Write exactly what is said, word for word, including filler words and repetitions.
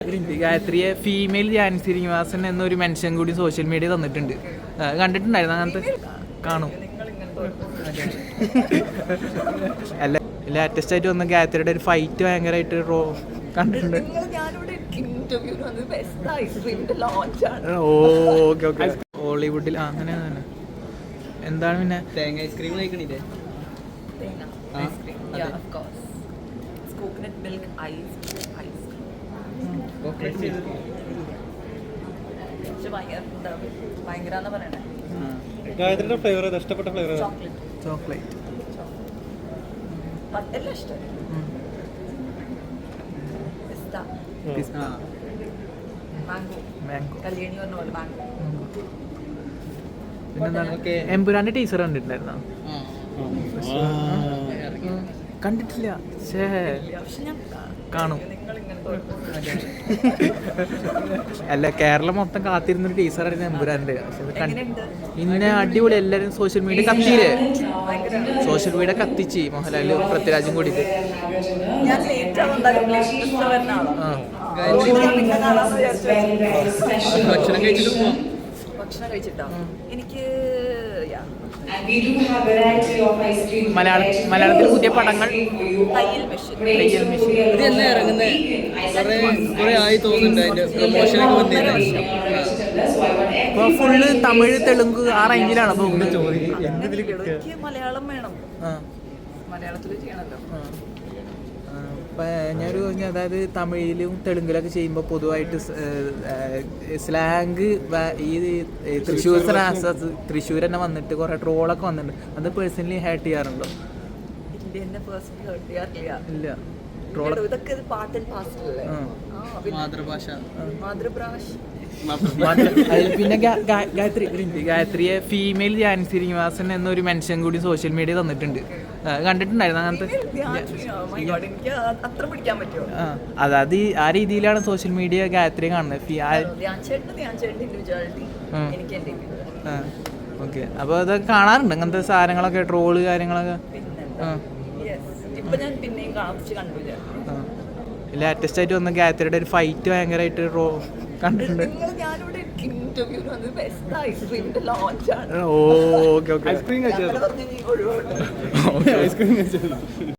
ഗായത്രിയെ female Jani Srinivasan എന്നൊരു mention കൂടി social media തന്നിട്ടുണ്ട്. കണ്ടിട്ടുണ്ടായിരുന്നു അങ്ങനത്തെ? കാണും. അല്ല, ലേറ്റസ്റ്റ് ആയിട്ട് വന്ന ഗായത്രിയുടെ ഒരു ഫൈറ്റ് ഭയങ്കരമായിട്ട് റോ കണ്ടിട്ടുണ്ട്. ഓക്കെ ഓക്കെ ഹോളിവുഡിൽ അങ്ങനെ തന്നെ. എന്താണ് പിന്നെ തേങ്ങ ഐസ്ക്രീം കഴിക്കണില്ലേ? ഗായത്രിയുടെ ഫ്ലേവർ ഇഷ്ടപ്പെട്ട ഫ്ലേവർ ചോക്ലേറ്റ്. പിന്നെന്താണ് എമ്പുരാന്റെ ടീച്ചർ കണ്ടിട്ടുണ്ടായിരുന്നോ? കണ്ടിട്ടില്ല. ശേ കാണും. അല്ല, കേരളം മൊത്തം കാത്തിരുന്നൊരു ടീച്ചറായിരുന്നു എമ്പുരാന്റെ. ഇന്നെ അടിപൊളി. എല്ലാരും സോഷ്യൽ മീഡിയ കത്തിയില്ലേ? സോഷ്യൽ മീഡിയ കത്തിച്ച് മോഹൻലാല് പൃഥ്വിരാജും കൂടിയിട്ട്. ഭക്ഷണം കഴിച്ചിട്ട് പോവാം. ഭക്ഷണം കഴിച്ചിട്ടോ? എനിക്ക് മലയാള മലയാളത്തിൽ പുതിയ പടങ്ങൾ തയ്യൽ മെഷീൻ. തയ്യൽ മെഷീൻ ഇത് തന്നെ ഇറങ്ങുന്നത് കുറെ കുറെ ആയി തോന്നുന്നുണ്ട്. അതിന്റെ പ്രൊമോഷനൊക്കെ വന്നിരുന്നു. ഇപ്പൊ ഫുള്ള് തമിഴ് തെലുങ്ക് ആ റേഞ്ചിലാണ് പോകുന്നത്. എനിക്ക് മലയാളം വേണം. മലയാളത്തിൽ ചെയ്യണല്ലോ. ഞാനൊരു അതായത് തമിഴിലും തെലുങ്കിലൊക്കെ ചെയ്യുമ്പോൾ പൊതുവായിട്ട് സ്ലാങ് ഈ തൃശ്ശൂർ തൃശ്ശൂർ തന്നെ വന്നിട്ട് കുറെ ട്രോളൊക്കെ വന്നിട്ടുണ്ട്. അത് പേഴ്സണലി ഹേർട്ട് ചെയ്യാറുണ്ടോ? ഇല്ല. ട്രോൾ ഇതൊക്കെ പാർട്ട് ആൻഡ് പാർസൽ അല്ലേ? മാതൃഭാഷ മാതൃഭാഷ. പിന്നെ ഗായത്രി ഗായത്രിയെ ഫീമെയിൽ ജാനി ശ്രീനിവാസൻ എന്നൊരു മെൻഷൻ കൂടി സോഷ്യൽ മീഡിയ തന്നിട്ടുണ്ട്. കണ്ടിട്ടുണ്ടായിരുന്നു അങ്ങനത്തെ? അതായത് ആ രീതിയിലാണ് സോഷ്യൽ മീഡിയ ഗായത്രിയെ കാണുന്നത്. ഓക്കെ. അപ്പോൾ അത് കാണാറുണ്ട് അങ്ങനത്തെ സാധനങ്ങളൊക്കെ, ട്രോള് കാര്യങ്ങളൊക്കെ? ലേറ്റസ്റ്റ് ആയിട്ട് വന്ന ഗായത്രിയുടെ ഒരു ഫൈറ്റ് ഭയങ്കരമായിട്ട് റോ കണ്ടിട്ടുണ്ട്. ഓക്കെ ഓക്കെ ഐസ്ക്രീം കഴിച്ചത് ഐസ്ക്രീം കഴിച്ചത്